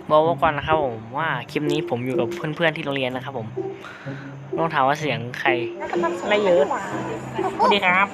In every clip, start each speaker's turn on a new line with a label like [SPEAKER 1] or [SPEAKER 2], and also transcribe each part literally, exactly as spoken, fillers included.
[SPEAKER 1] บอกไว้ก่อนนะครับผมว่าคลิปนี้ผมอยู่กับเพื่อนๆที่โรงเรียนนะครับผมต้องถามว่าเสียงใครอะไรเยอะสวัสดีครับ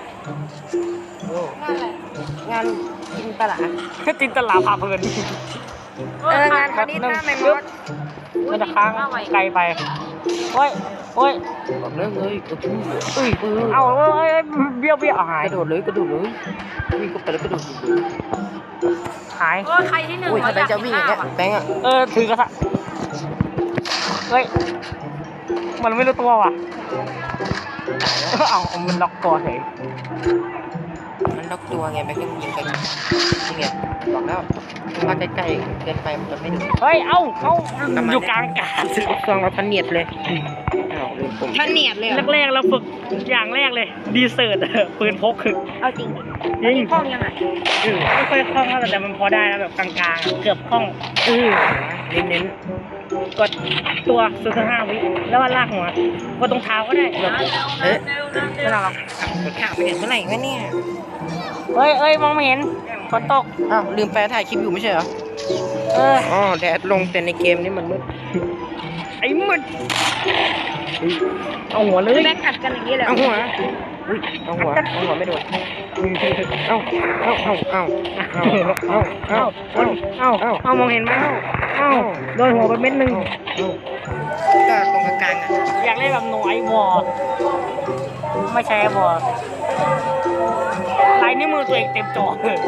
[SPEAKER 2] งานจินตลา
[SPEAKER 1] จินตลาพาเพลิน
[SPEAKER 2] เอองานคณิตหน้าไม่มด
[SPEAKER 1] มันจะค้างไกลไปโอ้ยโอ้ย
[SPEAKER 2] บอกเลยเลยกระโดดเลยอุ้ย
[SPEAKER 1] เอาเอ้ยเบี้ยวเบี้ยวหาย
[SPEAKER 2] กระโดดเลยกระโดดเลยวิ่งก็ไปแล้วกระโดดเลย
[SPEAKER 1] หาย
[SPEAKER 3] โอ้ยใครที่หนึ่ง
[SPEAKER 2] อุ้ยถ้าแบงค์จะวิ่งอย่างเงี้ยแบงค์อ่ะ
[SPEAKER 1] เออถือกระทะเฮ้ยมันไม่รู้ตัวว่ะเอามันล็อกตัวเฉย
[SPEAKER 2] มันล็อกตัวไงแบงค์ก็ยิงไปนี่ไงบอกแล้วถ้าใกล้ๆเกินไปมันจะไม่ถึง
[SPEAKER 1] เฮ้ยเอ้าเอ้าอยู่กลางอากาศ
[SPEAKER 2] ซองเราทันเนียดเลยอ้าวลืมผม
[SPEAKER 3] ท่านเนียดเลย
[SPEAKER 1] แรกๆเราฝึกอย่างแรกเลยดีเซิร์ตปืนพกคือ
[SPEAKER 3] เอาจริง
[SPEAKER 1] ยิง
[SPEAKER 3] ห้องยังไง
[SPEAKER 1] ไม่ค่อยคล่องเท่าไหร่แต่มันพอได้แล้วแบบกลางๆเกือบคล่อง
[SPEAKER 2] เออเน้น
[SPEAKER 1] กดตัวศูนย์ห้าวิแล้วว่าลากหัวกดตรงเท้าก็ได้แบบ
[SPEAKER 2] ๆเอ๊ะ
[SPEAKER 1] ไม่น่าหรอก
[SPEAKER 2] กดข่าวไปเห็นเมื่อไหร่วะเนี่ย
[SPEAKER 1] เฮ้ยเอ้ยมองไม่เห็นฝนตก
[SPEAKER 2] อ้าวลืมแปลถ่ายคลิปอยู่ไม่ใช่เหรอ
[SPEAKER 1] เออ
[SPEAKER 2] อ๋อแดดลงแต่ในเกมนี่มันมืด
[SPEAKER 1] ไอ้มึดเอาหัวเลย
[SPEAKER 3] แบกอัดกันอย่างนี้เลย
[SPEAKER 2] เอาหัวอุ้ยเอาหัวเอาหัวไม่โดนเอาเอาเอาเอาเอาเอาเอา
[SPEAKER 1] เอา
[SPEAKER 2] เอา
[SPEAKER 1] เอาเอาเอามองเห็นไหมเอาโดนหัวไปเม็ดหนึ่ง
[SPEAKER 2] ก็ตรงกลางอ่ะ
[SPEAKER 1] อยากเล่นแบบหน่วยวอร์ไม่ใช่วอร์ลายนิ้วมือตัวเองเต็มจอ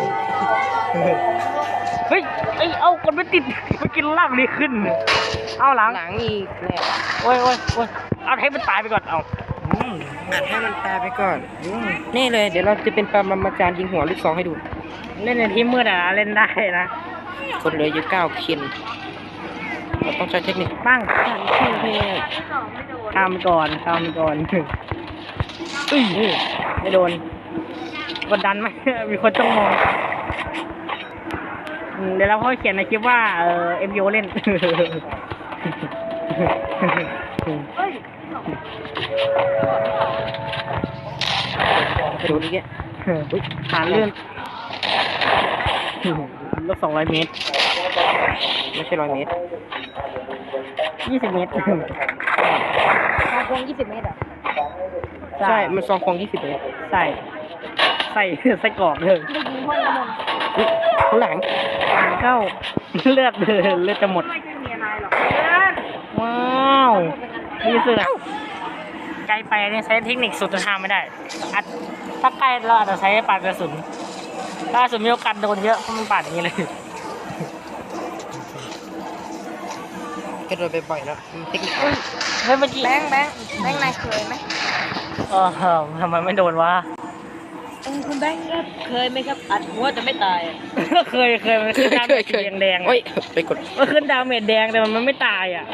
[SPEAKER 1] เฮ้ยไอ้เอาคนไม่ติดไปกินล่างนี้ขึ้นเอาหลัง
[SPEAKER 2] หลังอีกเนี่ย
[SPEAKER 1] โอ้ยโอ้ยโอ้ยเอาให้มันตายไปก่อนเอา
[SPEAKER 2] อัดให้มันตายไปก่อนนี่เลยเดี๋ยวเราจะเป็นปรมาจารย์ยิงหัวลูกซองให้ดู
[SPEAKER 1] เล่นในที่มืดอ่ะเล่นได้นะ
[SPEAKER 2] คนเหลืออยู่เก้าเคนเราต้องใช้เทคนิค
[SPEAKER 1] ปั้ง
[SPEAKER 2] เท่
[SPEAKER 1] ทำก่อนทำก่อนอุ้ยไม่โดนกดดันไหม มีคนต้องมองอืมเดี๋ยวเราค่อยเขียนในคลิปว่าเออเอ็มโยเล่น
[SPEAKER 2] ๆดูนี่แก
[SPEAKER 1] หาเลื่อนลบสองร้อยเมตร
[SPEAKER 2] ไม่ใช่ร้อยเมตร
[SPEAKER 1] ยี่สิบเมตร
[SPEAKER 3] ทางวงยี่สิบเมตรอ่ะ
[SPEAKER 2] ใช่มันซองคงยี่สิบเมตร
[SPEAKER 1] ใส่ ใส่ ใส่กรอกเลย
[SPEAKER 3] ได้ยิงห้องน้ำมัน
[SPEAKER 2] อุ๊ยข้างหลัง
[SPEAKER 1] อ่านเข้า เลือดเลือดจะหมด
[SPEAKER 3] ไม่ใช่มีอะไรหรอก
[SPEAKER 1] ว้าวนี่สุดอะไกลไปเนี่ยใช้เทคนิคสุดทางไม่ได้อัดถ้าใกล้เราอาจจะใช้ปาดกระสุนถ้ากระสุนมีโอกาสโดนเยอะเพราะมันปาดอย่างนี้เลย
[SPEAKER 2] กระโดดไปบ่อยแล้วเทคนิค
[SPEAKER 1] เฮ้ยเมื่อกี้
[SPEAKER 3] แบงค์แบงค์แบงค์นายเคยไหม
[SPEAKER 1] เออทำไมไม่โดนวะ
[SPEAKER 3] เออคุณแบงค์ครับเคยไหมครับอัดหัวแต่ไม่ตายอ่ะ
[SPEAKER 1] เคยเคยมันขึ้นดาเมจแดงแดงๆ
[SPEAKER 2] โอ้ยไปกด
[SPEAKER 1] มันขึ้นดาเมจแดงแต่มันไม่ตายอ่ะ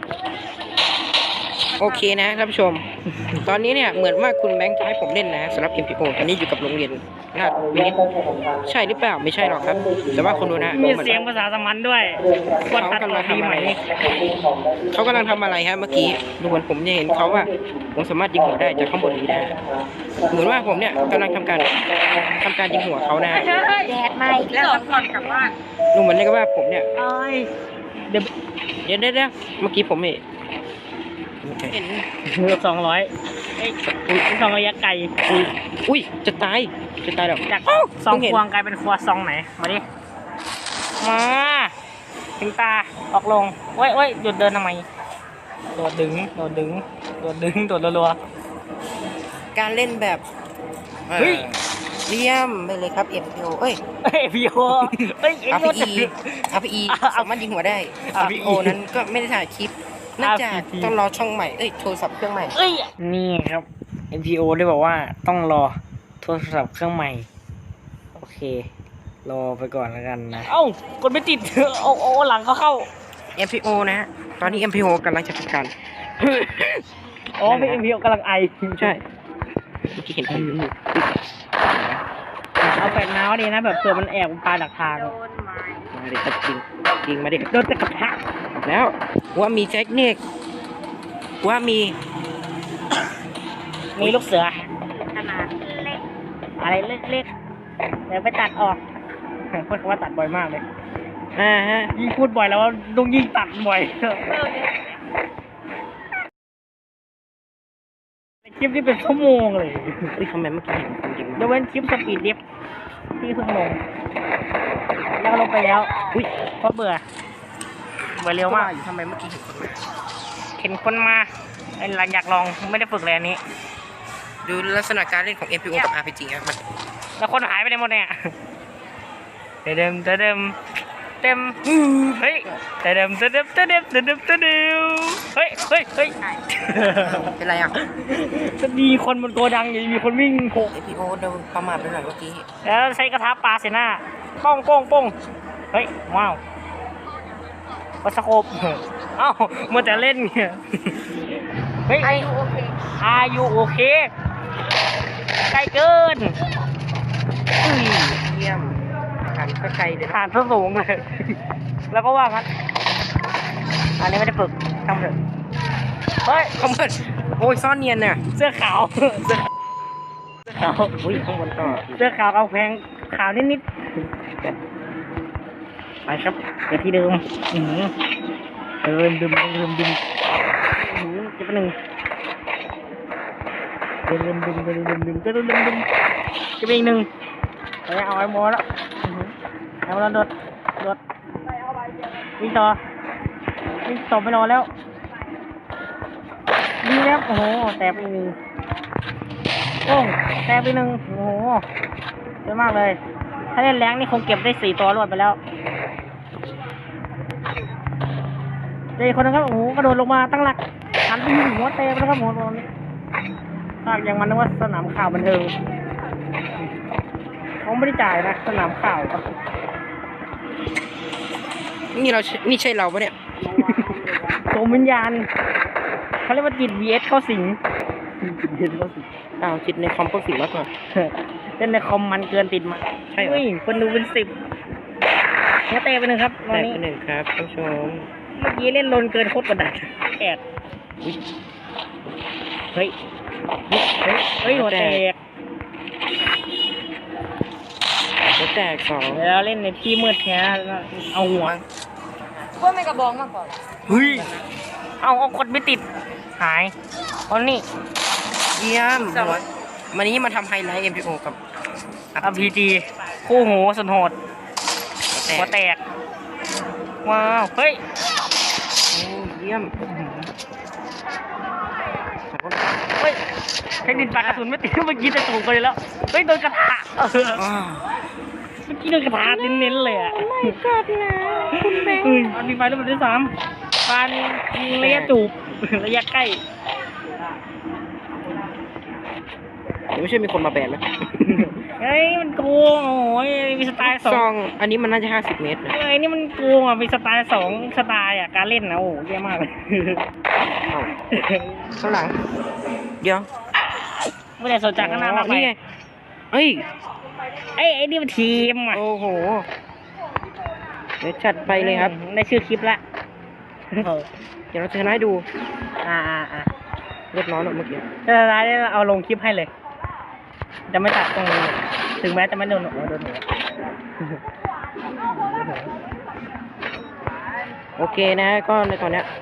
[SPEAKER 2] โอเคนะท่านผู้ชม ตอนนี้เนี่ยเหมือนว่าคุณแบงค์จะให้ผมเล่นนะสำหรับ เอ็ม พี โอ ตอนนี้อยู่กับโรงเรียนนาฏวินิตใช่หรือเปล่าไม่ใช่หรอกครับ แต่ว่าคุณดูนะ
[SPEAKER 1] มี
[SPEAKER 2] หอน
[SPEAKER 1] เสียงภาษาสมันด้วยกดตัดต่อดีไหม
[SPEAKER 2] เขากำลังทำอะไรฮะเมื่อกี้ดูเหมือนผมจะเห็นเขาว่าผมสามารถยิงหัวได้จากข้างบนนี้นะเหมือนว่าผมเนี่ยกำลังทำการทำการยิงหัวเขานะ
[SPEAKER 3] แดดมาอีกแล้วครับก่อนกลับบ้าน
[SPEAKER 2] ดูเหมือนกับว่าผมเนี่ย
[SPEAKER 1] เอ้ยเดี๋ยว
[SPEAKER 2] เดี๋ยวเดี๋ยวเดี๋ยวเมื่อกี้ผมเห็นเห็น
[SPEAKER 1] เกือบสองร้อยเอ้ยสองระยะไกล
[SPEAKER 2] อุ้ยอุ้ยจะตายจะตายแล้ว
[SPEAKER 1] จาก
[SPEAKER 2] อ้าว
[SPEAKER 1] ซอง
[SPEAKER 2] เพิ่งเห็น
[SPEAKER 1] ควงกลายเป็นครัวซองไหน มาดิ มาถึงตา ออกลงเว้ยเว้ยหยุดเดินทำไม โดดดึง โดดดึง โดดดึง โดดรัว
[SPEAKER 2] การเล่นแบบ
[SPEAKER 1] เฮ้ย
[SPEAKER 2] เยี่ยมไปเลยครับ เอ็ม พี โอ เอ้ย
[SPEAKER 1] ๆเฮ้ยพี่โอเฮ้ยเอ็ง
[SPEAKER 2] อาร์
[SPEAKER 1] โด
[SPEAKER 2] พี
[SPEAKER 1] ด
[SPEAKER 2] อี อาร์พีอี
[SPEAKER 1] อ่ะ
[SPEAKER 2] สามารถยิงหัวได้
[SPEAKER 1] อ่ะ
[SPEAKER 2] อาร์พีโอ นั้นก็ไม่ได้ถ่ายคลิปเนื่องจาก
[SPEAKER 1] อาร์พีอี
[SPEAKER 2] ต้องรอช่องใหม่ เอ้ย โทรศัพท์เครื่องใหม่
[SPEAKER 1] เอ้ย นี่ครับ เอ็ม พี โอ ได้บอกว่าต้องรอโทรศัพท์เครื่องใหม่ โอเค รอไปก่อนแล้วกันนะ เอ้ากดไม่ติด เอาเอาหลังเขาเข้า
[SPEAKER 2] เอ็ม พี โอ นะฮะ ตอนนี้ เอ็ม พี โอ กำลังจะทำการ
[SPEAKER 1] อ๋อพี่เอ็ม พี โอกำลังไอ
[SPEAKER 2] ใช่เมื่อกี้เห็นไออยู่
[SPEAKER 1] เอาแปดน้าวดีนะแบบเผื่อมันแอบปลาดักทาง
[SPEAKER 3] โดนไม้
[SPEAKER 2] มาดิครับจริงจริงมาดิ
[SPEAKER 1] โดนจะกระทะ
[SPEAKER 2] แล้วว่ามีเทคนิคว่ามี
[SPEAKER 1] มีลูกเสือ
[SPEAKER 3] ขนาดเล็ก
[SPEAKER 1] อะไรเล็กๆเดี๋ยวไปตัดออก พูดคำว่าตัดบ่อยมากเลย
[SPEAKER 2] อ่าฮะ
[SPEAKER 1] ยิ่งพูดบ่อยแล้วว่าต้องยิ่งตัดบ่อยคลิปที่เป็นชั่วโมงเลย
[SPEAKER 2] เฮ้ยทำไมเมื่อกี้เห็นคนยิง
[SPEAKER 1] ยกเว้นคลิปสปีดดิฟที่เพิ่งลงแล้วก็ลงไปแล้ว
[SPEAKER 2] อุ้ย
[SPEAKER 1] เพราะเบื่อเบื่อเร็วมาก
[SPEAKER 2] อยู่ทำไมเมื่อกี้เห็นคนมา
[SPEAKER 1] เห็นคนมาไอ้หลังอยากลองไม่ได้ฝึกเลยอันนี้
[SPEAKER 2] ดูลักษณะการเล่นของ เอ็ม พี โอ กับ อาร์ พี จี ครับมัน
[SPEAKER 1] แล้วคนหายไปไหนหมดเนี่ยเดิมเดิมเต็มเฮ้ยเดิมเดิมเดิมเดิมเดิมเดิมเดิมเฮ้ยเฮ้ยเฮ้ย
[SPEAKER 2] เป็นไรอ่ะ
[SPEAKER 1] จะมีคนบนโกดังอยู่มีคนวิ่งโผล่
[SPEAKER 2] เอ็ม พี โอ โดนประมาทไปหน่อยเมื่อกี้
[SPEAKER 1] แล้วใช้กระทะปลาเสหน้าป้องป้องป้องเฮ้ยว้าววัสโคปเอ้ามัวแต่เล่นเนี่ยเฮ้ย
[SPEAKER 3] อายุโอเค
[SPEAKER 1] อายุโอเคใกล้เกินอุ้ย
[SPEAKER 2] เยี่ยมหันก็ไกลเลยนะ
[SPEAKER 1] ผ่านซะสูงเลย แล้วก็ว่างั้นอันนี้ไม่ได้ฝึกทำเถอะเฮ้ย
[SPEAKER 2] เขาเปิดโอ้ยซ่อนเนียนน่ะ
[SPEAKER 1] เสื้อขาว เสื้อเสื้อขาว
[SPEAKER 2] อุ้ยข้างบนต่อ
[SPEAKER 1] เสื้อขาวเอาแพงขาวนิดๆไปครับเดี๋ยวที่เดิมอือหือเดิมดึมเดิมดึมอือหือเจะเป็นหนึ่งเดิมดึมดึมเดิมดึมดึมเดิมดึมดึมจะเป็นอีกหนึ่งไปเอาไอ้โมแล้วอือหือเอาแล้วโดดโดดวิ่งต่อวิ่งต่อไม่รอแล้วดีแล้วโอ้โหแตกไปอีกหนึ่งโอ้งแตกไปหนึ่งโอ้โหเยอะมากเลยถ้าเล่นแรงนี่คงเก็บได้สี่ตัวรวดไปแล้วเจอคนนึงครับโอ้โหกระโดดลงมาตั้งหลักหันไปยิงหัวเตะไปแล้วครับหัวตรงนี้ภาคยังมันนึกว่าสนามข่าวบันเทิงเขาไม่ได้จ่ายนะสนามข่าว
[SPEAKER 2] นี่เรานี่ใช่เราปะเนี่ย
[SPEAKER 1] โสมวิญญาณเขาเรียกว่าจิต วี เอส เข้าสิงจิต วี เอส เข้าสิง
[SPEAKER 2] อ้าวจิตในคอมก็สิ่งมากกว่า
[SPEAKER 1] เล่นในคอมมันเกินติดมา
[SPEAKER 2] ใช่เหรอ
[SPEAKER 1] เฮ้ยคนดูเป็นสิบหัวเตะไปหนึ่งครับตอน
[SPEAKER 2] แต่
[SPEAKER 1] นี้
[SPEAKER 2] เป็นหนึ่งครับท่านผู้ชม
[SPEAKER 1] เมื่อกี้เล่นลนเกินโคตรกดดันแอด
[SPEAKER 2] อุ้ย
[SPEAKER 1] เฮ้ย เฮ้ย เฮ้ยหัวแตก
[SPEAKER 2] หัวแตกสอง
[SPEAKER 1] แล้วเล่นในที่มืดแท้เอาหัว
[SPEAKER 3] ว่าไม่กระบองมากกว่า
[SPEAKER 1] เฮ้ย เอาเอากดไม่ติด หายเอานี่
[SPEAKER 2] เยี่ยมวันนี้มาทำไฮไลท์ เอ็ม พี โอ กับ
[SPEAKER 1] อาร์ พี จี คู่หูสุดโหด
[SPEAKER 2] หั
[SPEAKER 1] หั
[SPEAKER 2] ว
[SPEAKER 1] ว
[SPEAKER 2] แตก
[SPEAKER 1] แตก ว้าว เฮ้ย
[SPEAKER 2] โอ้เยี่ยม
[SPEAKER 1] เฮ้ยเทคนิคปากกระสุนไม่ติดเมื่อกี้แต่ถูกไปแล้ว เฮ้ยโดนกระทะเออ
[SPEAKER 2] อ้าว
[SPEAKER 1] เมื่อกี้โดนกระทะเน้นๆเลยอ่ะ
[SPEAKER 3] ไม่กัดนะคุณแบงค์
[SPEAKER 1] เฮ้ยมันมีไฟแล้วมันได้สามฟันยิงระยะจูบ ระยะใกล้
[SPEAKER 2] เดี๋ยวไม่ใช่มีคนมาแบนนะ
[SPEAKER 1] เฮ้ยมันโกงโอ้ยมีสไตล์ส
[SPEAKER 2] ซ
[SPEAKER 1] อ
[SPEAKER 2] อง งอันนี้มันน่าจะห้าสิบเมตรนะ
[SPEAKER 1] เฮ้ยนี่มันโกงอ่ะมีสไตล์สองสไตล์อ่ะการเล่นนะโอ้เยี่ยมากเลย
[SPEAKER 2] อ้าวข้างหลัง เดี๋ยว
[SPEAKER 1] ไม่ได้สนใจข้างหน้ามากไป
[SPEAKER 2] นี่ไงเฮ้ย
[SPEAKER 1] ไอ้ไอ้นี่มันทีมอ่ะ
[SPEAKER 2] โอ้โห เดี๋ยวจัดไปเลยครับ
[SPEAKER 1] ในชื่อคลิปละ
[SPEAKER 2] เดี๋ยวเราจะให้ดู
[SPEAKER 1] อ่าอ่าอ่า
[SPEAKER 2] เรียบร้อยแล้วเมื่อกี้
[SPEAKER 1] จะร้ายได้เอาลงคลิปให้เลย จะไม่ตัดตรงนี้ถึงแม้จะไม่โดนหัวโดนหัว
[SPEAKER 2] โอเคนะก็ในตอนเนี้ย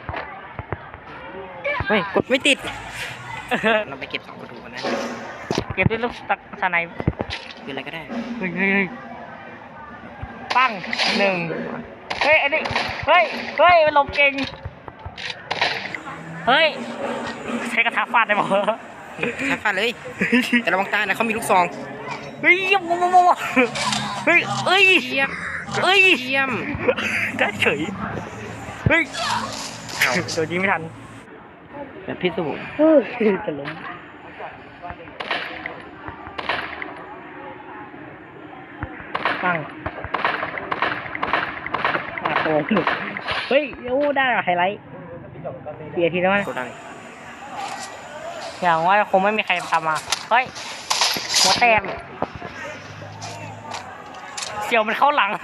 [SPEAKER 2] เฮ้ยกดไม่ติด เราไปเก็บสองประตูกันนะ
[SPEAKER 1] เก็บด้วยลูกตักสไนป์
[SPEAKER 2] คืออะไรก็ได้
[SPEAKER 1] เฮ้ยเฮ้ยเฮ้ยปั้งหนึ่งเฮ้ยไอ้นี่เฮ้ยเฮ้ยมันหลบเก่งเฮ้ยใช้กระทะฟาดได้บ่
[SPEAKER 2] ชักฟาดเลย แต่ระวังตานะเขามีลูกซอง
[SPEAKER 1] เฮ้ยเยี่ยมโมโมเฮ้ยเอ้ย
[SPEAKER 2] เยี่ยม
[SPEAKER 1] เอ้ย
[SPEAKER 2] เยี่ยม
[SPEAKER 1] ได้เฉยเฮ้ยโดนยิงไม่ทัน
[SPEAKER 2] แบบพิศวง
[SPEAKER 1] เฮ้ยจะล้มปั้งมาโตงเฮ้ยโอ้ได้เหรอไฮไลท์เสียทีแล้วมั้ย
[SPEAKER 2] โกดัง
[SPEAKER 1] อย่างว่าคงไม่มีใครทำมาเฮ้ยหัวแตกเสี่ยวมันเข้าหลัง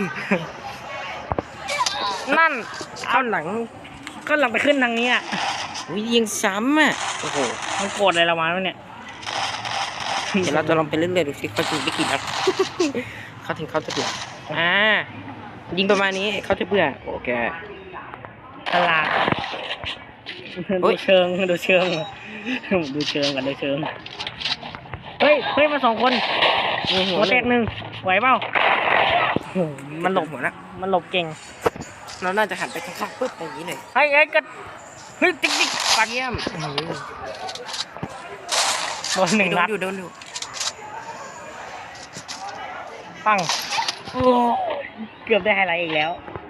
[SPEAKER 1] นั่น
[SPEAKER 2] เข้าหลัง
[SPEAKER 1] ก็หลังไปขึ้นทางนี้อ่ะ
[SPEAKER 2] วิยิงซ้ำอ่ะ โอ้โห
[SPEAKER 1] มันโกรธอะไรเรามาแล้วเนี่ย
[SPEAKER 2] เดี๋ยวเราจะลองไปเรื่อยๆดูสิเขาจะไปกี่นัด เขาถึงเขาจะเดือดอ่ายิงประมาณนี้เขาจะเบื่อโอเค
[SPEAKER 1] ตลาด
[SPEAKER 2] เฮ้
[SPEAKER 1] ดู
[SPEAKER 2] ย
[SPEAKER 1] เชิงดูเชิงดูเชิงกันดูเชิงเฮ้ยเฮ้ยมาสองคน
[SPEAKER 2] มีหั
[SPEAKER 1] หั
[SPEAKER 2] ว
[SPEAKER 1] วแตกหนึ่งไหวเปล่าโอ้โหมันหลบ
[SPEAKER 2] หัวนะ
[SPEAKER 1] มันหลบเก่ง
[SPEAKER 2] เราน่าจะหันไปข้างๆปึ๊บอย่างนี้หน่อย
[SPEAKER 1] เฮ้ยเฮ้ยก็เฮ้ยติ๊กติ๊กปัด
[SPEAKER 2] เยี่ยม
[SPEAKER 1] โดนหนึ่ง
[SPEAKER 2] โด
[SPEAKER 1] นั
[SPEAKER 2] น
[SPEAKER 1] ด
[SPEAKER 2] อยู่โดนอยู่
[SPEAKER 1] ปังโอ้เกือบได้ไฮไลท์อีกแล้ว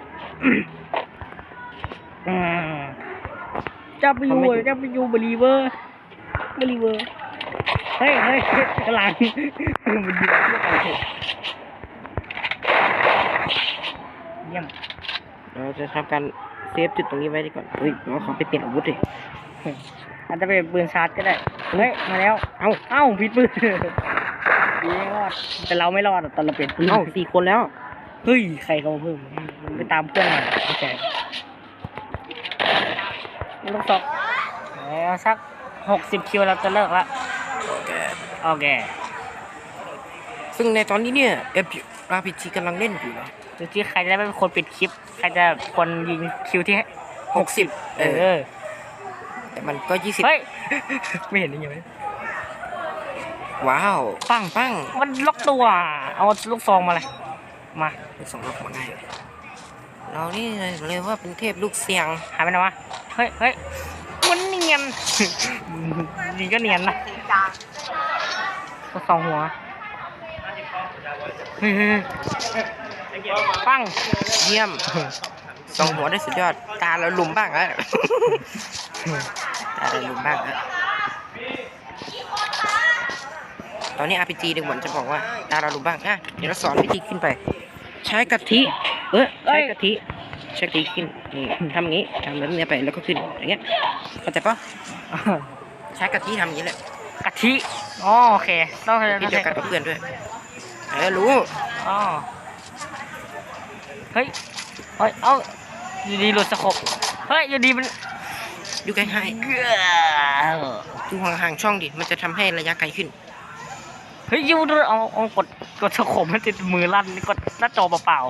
[SPEAKER 1] อืมจับไปยูจับไปยูบลีเวอร์บลีเวอร์เฮ้ยเฮ้ยกำลังมันยิงพวกเราเถอะเยี่ยม
[SPEAKER 2] เราจะทำการเซฟจุดตรงนี้ไว้ดีก่อนเฮ้ยเราขอไปเปลี่ยนอาวุธดิ
[SPEAKER 1] อาจจะเป็นปืนชาร์จก็ได้เฮ้ยมาแล้ว
[SPEAKER 2] เอ้า
[SPEAKER 1] เอ้าผิดปืนดีไม่รอดแต่เราไม่รอดอะตอนเราเปลี่ยนปืน
[SPEAKER 2] เอ้าสี่คนแล้ว
[SPEAKER 1] เฮ้ยใครเขามาเพิ่มมันไปตามเพื่อนมาโอเคลูกศรแล้วสักหกสิบคิวเราจะเลิกละ
[SPEAKER 2] โอเค
[SPEAKER 1] โอเค
[SPEAKER 2] ซึ่งในตอนนี้เนี่ย เอฟ อาร์ พี จี กำลังเล่นอยู่นะ
[SPEAKER 1] ดูที่ใครจะได้เป็นคนปิดคลิป ใครจะคนยิงคิวที่
[SPEAKER 2] หกสิบ
[SPEAKER 1] เอ
[SPEAKER 2] เออ
[SPEAKER 1] อ
[SPEAKER 2] แต่มันก็ยี่สิบ
[SPEAKER 1] เฮ้ย ไม่เห็นได้ยังไง
[SPEAKER 2] ว้าวปังปัง
[SPEAKER 1] มันล็อกตัว เอาลูกซองมาเลยมา
[SPEAKER 2] ลูกสองลูกมาง่ายเรานี่เลยว่าเป็นเทพลูกเสียง
[SPEAKER 1] หายไปไหนวะ เฮ้ยเฮ้ยมันเนียน ยิงก็เนียนนะลูกซองหัว เฮ้ยเฮ้ยเฮ้ยปัง
[SPEAKER 2] เยี่ยมสองหัวได้สุดยอดตาเราลุมบ้างแล้วตาเราลุมบ้างแล้วตอนนี้ อาร์ พี จี เด็กหวนจะบอกว่าตาเราลุมบ้างอ่ะเดี๋ยวเราสอนวิธีขึ้นไป ใช้กะทิเออใช้กะทิใช้กะทิขึ้นนี่ทำอย่างนี้ทำแบบนี้ไปแล้วก็ขึ้นอย่างเงี้ยเข้าใจปะใช้กะทิทำอย่างนี้แหละ
[SPEAKER 1] กะทิ อ๋อโอเค ต้อง
[SPEAKER 2] พี่เดียวกันกับเพื่อนด้วยเออรู้
[SPEAKER 1] อ๋อ เฮ้ย เฮ้ย เอ้าอยู่ดีหลุดสะกบเฮ้ยอยู่ดีมัน
[SPEAKER 2] อยู่ใกล้
[SPEAKER 1] เกือ
[SPEAKER 2] ๆดูห่างๆช่องดิมันจะทำให้ระยะไกลขึ้น
[SPEAKER 1] เฮ้ยยูดูเอาเอากดกดสะกบมันติดมือลั่นกดหน้าจอเปล่า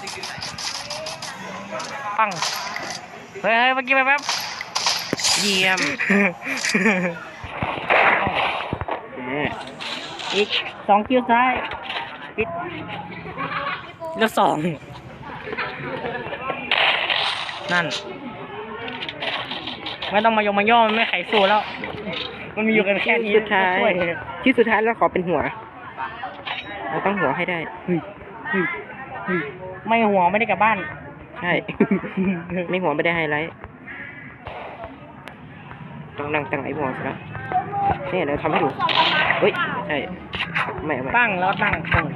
[SPEAKER 1] ๆปัง เฮ้ยเฮ้ยเมื่อกี้ไปแป๊บ
[SPEAKER 2] เยี่ยมเออ
[SPEAKER 1] อีกสองคิวซ้ายปิดแล้วสองนั่น ไม่ต้องมายงมาย่อมันไม่ไขสู้แล้ว มันมีอยู่กันแค่นี้
[SPEAKER 2] สุดท้าย
[SPEAKER 1] ช่วย
[SPEAKER 2] ที่สุดท้ายเราขอเป็นหัวเราต้องหัวให้ได้
[SPEAKER 1] เฮ้ยเฮ้ยเฮ้ยไม่หัวไม่ได้กลับบ้าน
[SPEAKER 2] ใช่ ไม่หัวไม่ได้ไฮไลท์ต้องนั่งตั้งไอ้หัวซะแล้วนี่เราทำให้ดูเฮ้ยใช่ไม่เอาไม่
[SPEAKER 1] ตั้งแล้วตั้งตรง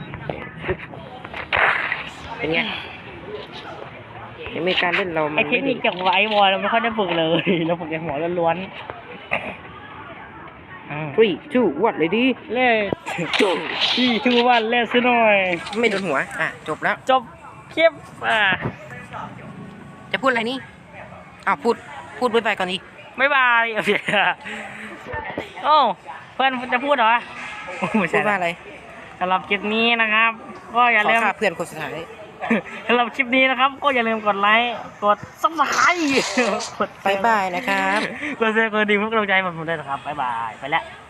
[SPEAKER 2] เป็นไงยังมีการเล่นเรามั
[SPEAKER 1] ไอน เท
[SPEAKER 2] ไม่
[SPEAKER 1] ค
[SPEAKER 2] ดี
[SPEAKER 1] นิคเกี่ยวกับไอวอลเราไม่ค่อยได้ฝึกเลย เราฝึกแต่หัวล้วนๆอ่า
[SPEAKER 2] three two one เลยดี
[SPEAKER 1] เล่
[SPEAKER 2] จบ
[SPEAKER 1] ที่ชื่อว่าเล่ซะหน่อย
[SPEAKER 2] ไม่โดนหัวอ่ะจบแล้ว
[SPEAKER 1] จบคลิปอ่า
[SPEAKER 2] จะพูดอะไรนี่อ้าวพูดพูดบ๊ายบายก่อนดิ
[SPEAKER 1] บ๊ายบายโอเคโอ้เพื่อนจะพูดเหรอโอ้ไม่
[SPEAKER 2] พู
[SPEAKER 1] ใช่
[SPEAKER 2] ดว่าอะไร
[SPEAKER 1] สำหรับคลิปนี้นะครับ ก็อย่า
[SPEAKER 2] ขอ
[SPEAKER 1] ลืม
[SPEAKER 2] ค่าเพื่อนคนสุดท้าย
[SPEAKER 1] สำหรับคลิปนี้นะครับ ก็อย่าลืมกดไลค์กดซับสไครต์กด
[SPEAKER 2] บ๊ายบายนะครับ
[SPEAKER 1] กดแชร์กดดีเพื่อกำลังใจให้ผมด้วยนะครับบ๊ายบายไปแล้ว